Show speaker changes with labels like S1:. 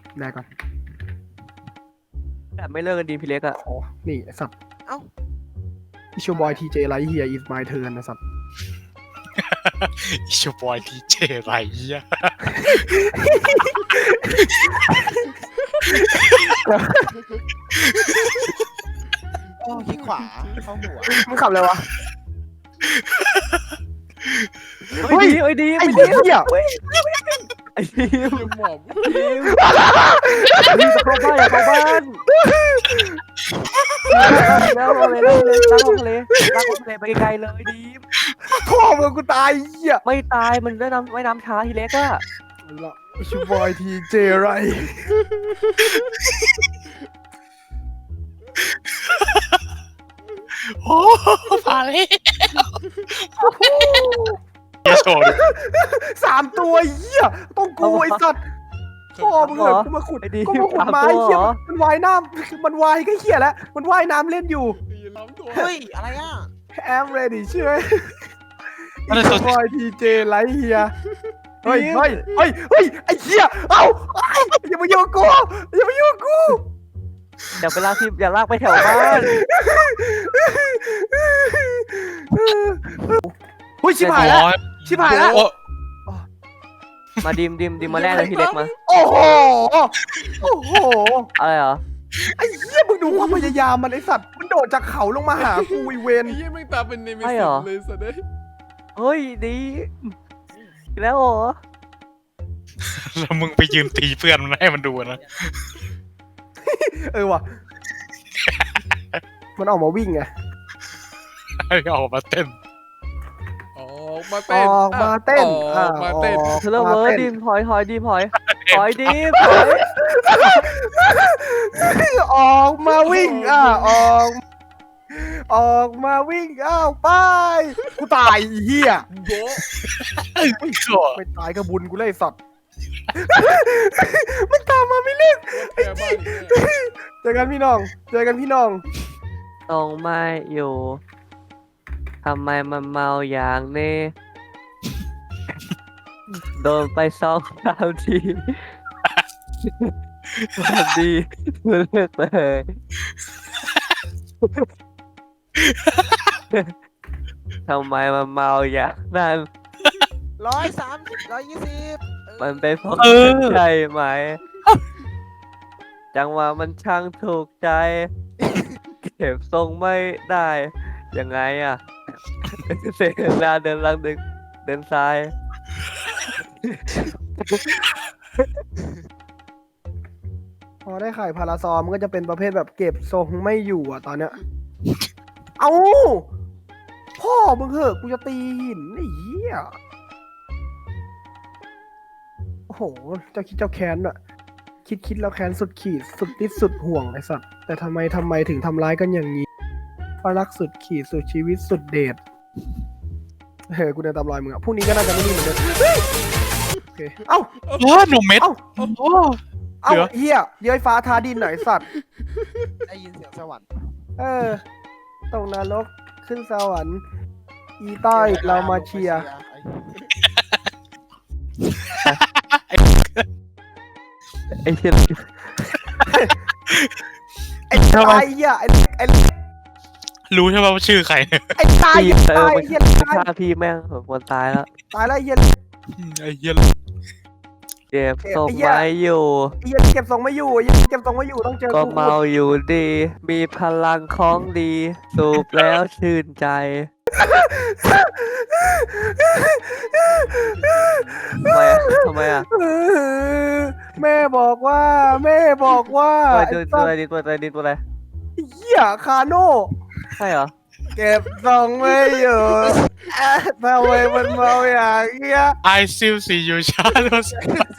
S1: ได้ก่อน
S2: แต่ไม่เลิกกันดีพี่เล็กอะ
S1: อ๋อนี่ไอ้สัตว์
S3: เอ้า
S1: อิชูบอยทีเจไลท์เฮียอิสไมเทิร์นนะสัตว์
S4: อิชูบอยทีเจไรเหี้ย
S3: โอ้ขี้ขวาเข้าหัว
S1: มึงขับอะไรวะ
S2: เฮ้ยดีเฮ้ยดี
S1: ไอ้
S2: ไม่
S1: เหี้
S2: ดี
S1: ย
S2: ไอ้ดีม
S3: หมอบ
S2: ดีมดีมจะเข้าบ้านอย่าเข้าบ้านแล้วเลยลากลงทะเลลากลงทะเลไปไกลๆเลยดีม
S1: พ่อมึงกูตายเหี้ย
S2: ไม่ตายมันได้น้ำไม่น้ำช้าทีเล็กอะ
S1: ละอิชูบอยทีเจไร
S4: โอ้มาเลยเหี้ยโชว์ดิ
S1: 3 ตัวเหี้ยต้องกูไอ้สัตว์พ่อมึงเหรอกูมาขุด
S2: ไอ้ดี
S1: ก็มาขุดไม้เหี้ยมันว่ายน้ำมันว่ายก็เหี้ยแล้วมันว่ายน้ำเล่นอยู่
S3: เฮ้ยอะไรอ่ะ
S1: I'm ready ใช่ไหมอิชูบอยทีเจไรเฮียเฮ้ยไอ้เหี้ยเอ้าอย่ามายุ่งกูอย่ามายุ่งกู
S2: อย่าไปลากที่อย่าลากไปแถวบ้าน
S1: เฮ้ยชิบหายแล้วชิบหายแล้ว
S4: โอ้
S2: มาดิมมาแรกเลยพี่เล็กมา
S1: โอ้โหโอ้โห
S2: อะไรเหรอ
S1: ไอ้เหี้ยมึงดูความพยายามมันไอ้สัตว์มันโดดจากเขาลงมาหากูไอเวน
S5: ไอ้เหี้ยแม่งตาเป็นเนมิ
S2: ใช่
S5: สิ
S2: เหรอ
S5: เลยสัตว์เอ้ย
S2: เฮ้ยดีอีกแล้วเหรอ
S4: แล้วมึงไปยืนตีเพื่อนมันให้มันดูนะ
S1: เออว่ะมันออกมาวิ่งไง
S4: ให้ออกมาเต้น
S5: ออกมา
S1: อ
S5: เต้น
S1: อกมาเต้น
S5: ออกมาเต้น
S2: เธอเลิกเวอร์ดิมถอยดิมถอยดิมถอย
S1: ออกมาวิ่งออกมาวิ่งอ้าวไปกูตายไอ้เหี้ย
S5: โบะ
S1: ไม่ตายก็บุญกูเลยไอ้สัตว์ มันตามมาไม่เล่น
S5: แกบ้านอีกเนี่ย
S1: เจอกันพี่น้อง
S2: ตรงไม่อยู่ทำไมมันเมาอย่างนี้โดนไป2-3 ทีวันดีเลิกเลยทำไมมันเมาอย่างนั้น
S3: 130 120
S2: มันเป็นเพราะใช่ไหม จังหวะมันช่างถูกใจ เก็บทรงไม่ได้ ยังไงอ่ะ เดินหน้าเดินหลังเดินซ้าย
S1: พอได้ไข่พาราซอมมันก็จะเป็นประเภทแบบเก็บทรงไม่อยู่อ่ะตอนเนี้ย เอาพ่อมึงเหอะกูจะตีหินไอ้เหี้ยโอ้โหเจ้าคิดเจ้าแค้นอะคิดแล้วแค้นสุดขีดสุดที่สุดห่วงไอ้สัตว์แต่ทำไมถึงทำร้ายกันอย่างนี้เพราะรักสุดขีดสุดชีวิตสุดเดชเฮ้ยกูเดินตามรอยมึงอะพรุ่งนี้ก็น่าจะไม่นิ่งเหมือนเดิมเฮ้ยโอเคเอ้า
S4: โอ้หนุ่มเม็ด
S1: เอ้า
S4: โอ้
S1: เอ้า
S4: เดี๋ยว
S1: เหี้ยเย้ยฟ้าทาดินหน่อยสัตว์
S3: ได้ยินเสียงสวรรค์
S1: ตกนรกขึ้นสวรรค์อีต้อยเรามาเชียร์
S2: ไอ้เชี่ย
S1: ไอ้ตายเหี้ยไอ้
S4: รู้ใช่ไหมว่าชื่อใคร
S1: ไอ้ตาย
S2: พี่
S1: ตาย
S2: มัน
S1: เหี้ย
S2: ฆ่าพี่แม่งคนตายแล้ว
S1: ตายแล้วเหี้ย
S4: ไอ้เหี้ย
S2: เก็บทรงไว้อยู่
S1: เหี้ยเก็บทรงไม่อยู่เก็บทรงไม่อยู่ต้องเจอ
S2: ก็
S1: กู
S2: เมาอยู่ดี มีพลังของดี สูบแล้วชื่นใจ ทำไมอ่ะ
S1: แม่บอกว่า
S2: ตัวอะไรตัวอะไร
S1: เหี้ยคาโน่
S2: ใช่เหรอ
S1: เก็บทรงไม่อยู่ทำไมมันเมาอย่างเงี้ย
S4: I still see you shadows